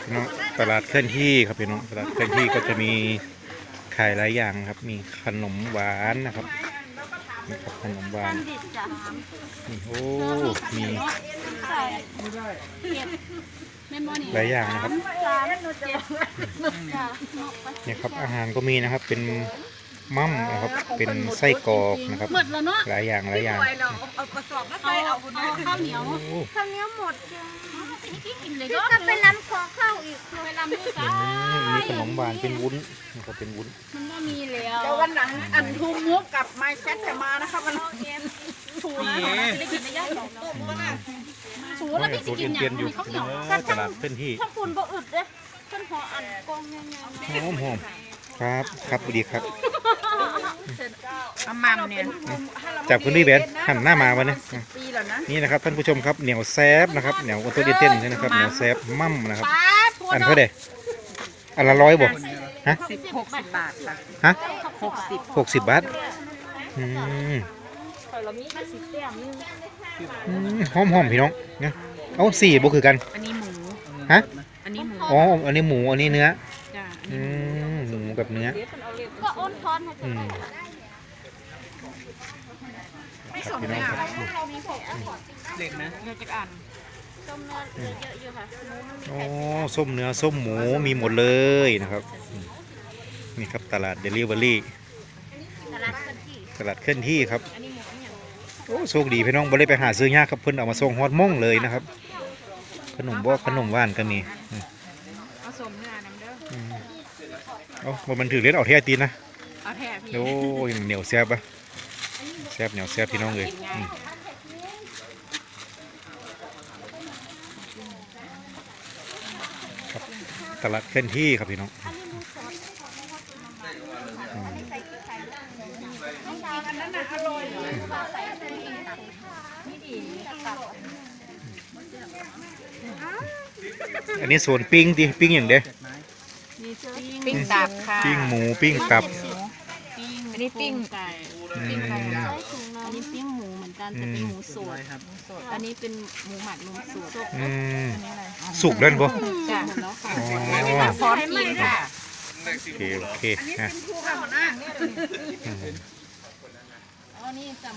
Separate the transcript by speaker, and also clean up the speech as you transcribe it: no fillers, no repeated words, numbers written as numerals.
Speaker 1: พี่น้องตลาดเคลื่อนที่ครับพี่น้องตลาดเคลื่อนที่ก็จะมีขายหลายอย่างครับมีขนมหวานนะครับนี่ครับขนมหวานนี่โอ้มีหลายอย่างนะครับเนี่ยครับอาหารก็มีนะครับเป็นมั่มนะครับเป็นไส้กรอกนะครับหลายอย่าง
Speaker 2: เอากระสอบมาใส่เอาข้าวเหนียวหมดก็ไปลำขอข้าวอีกไปลำมือซ้าย
Speaker 1: มีขนมหวานเป็นวุ้นนะครับเป็นวุ้น
Speaker 2: มันก็มีแล้วเดี๋ยววันหลังอันทูมุกกับไม้แคทจะมานะครับมันถูนะจะได้กินได้ยากหรอกถูแล้วพี่จะกินอย่างนี้ข้าวเหนียว
Speaker 1: ตลาดเคลื่อนที่
Speaker 2: ถ้าคุณบ่อึดเลยต้นหออันกองยัง
Speaker 1: หอมครับครับดีครับ
Speaker 2: อามัมเนี่ย
Speaker 1: จากคุณพี่เบนหันหน้ามาวันนี้นี่นะครับท่านผู้ชมครับเหนียวแซบนะครับเหนียวตัวเต้นนี่นะครับเหนียวแซบมั่มนะครับอันเท่าไหร่อันละ100บ่ฮะ
Speaker 2: 60 บาทค่ะ
Speaker 1: ฮะ
Speaker 2: 60
Speaker 1: บาทหอมพี่น้องเนี่ยเอา4บ่คือกัน
Speaker 2: อันนี้หมู
Speaker 1: ฮะ
Speaker 2: อันนี้หมู
Speaker 1: อ๋ออันนี้หมูอันนี้เนื้อหมูกับเนื้อ
Speaker 2: ก็อ้นทอน
Speaker 1: ไม่สมเลย
Speaker 2: เด็กนะเด็กจะอ่านส้มเนื้อเยอะอยู่ค่ะ
Speaker 1: อ๋อส้มเนื้อส้มหมูมีหมดเลยนะครับนี่ครับตลาดเดลิเวอรี่ตลาดเคลื่อนที่ครับโอ้โชคดีพี่น้องบ่ได้ไปหาซื้อยากครับเพิ่นเอามาส่งฮอดม่องเลยนะครับขนมหวานก็มี
Speaker 2: เอาสมเนื้อน้ำเด้อ
Speaker 1: เอามันถือเล่นเอาแท้ตีนนะ
Speaker 2: เอาแท้พี่
Speaker 1: โอ้ยเหนียวแซ่บปะแซ่บเหนียวแซ่บพี่น้องเลยครับตลาดเคลื่อนที่ครับพี่น้องอันนี้ส่วนปิ้งดิปิ้งอย่างเด้
Speaker 2: ปิ้งตับค่ะ
Speaker 1: ปิ้งหมูปิ้งตับ
Speaker 2: อันนี้ปิ้งไก่ปิ้งไก่อันนี้ปิ้งหมูเหมือนกันแต่เป็นหมูสดอันนี้เป็นหมูหมักนมสด
Speaker 1: สุกแล้วบ่
Speaker 2: จ้ะหมดแล้วค่ะซอสกินค่ะ
Speaker 1: โอเค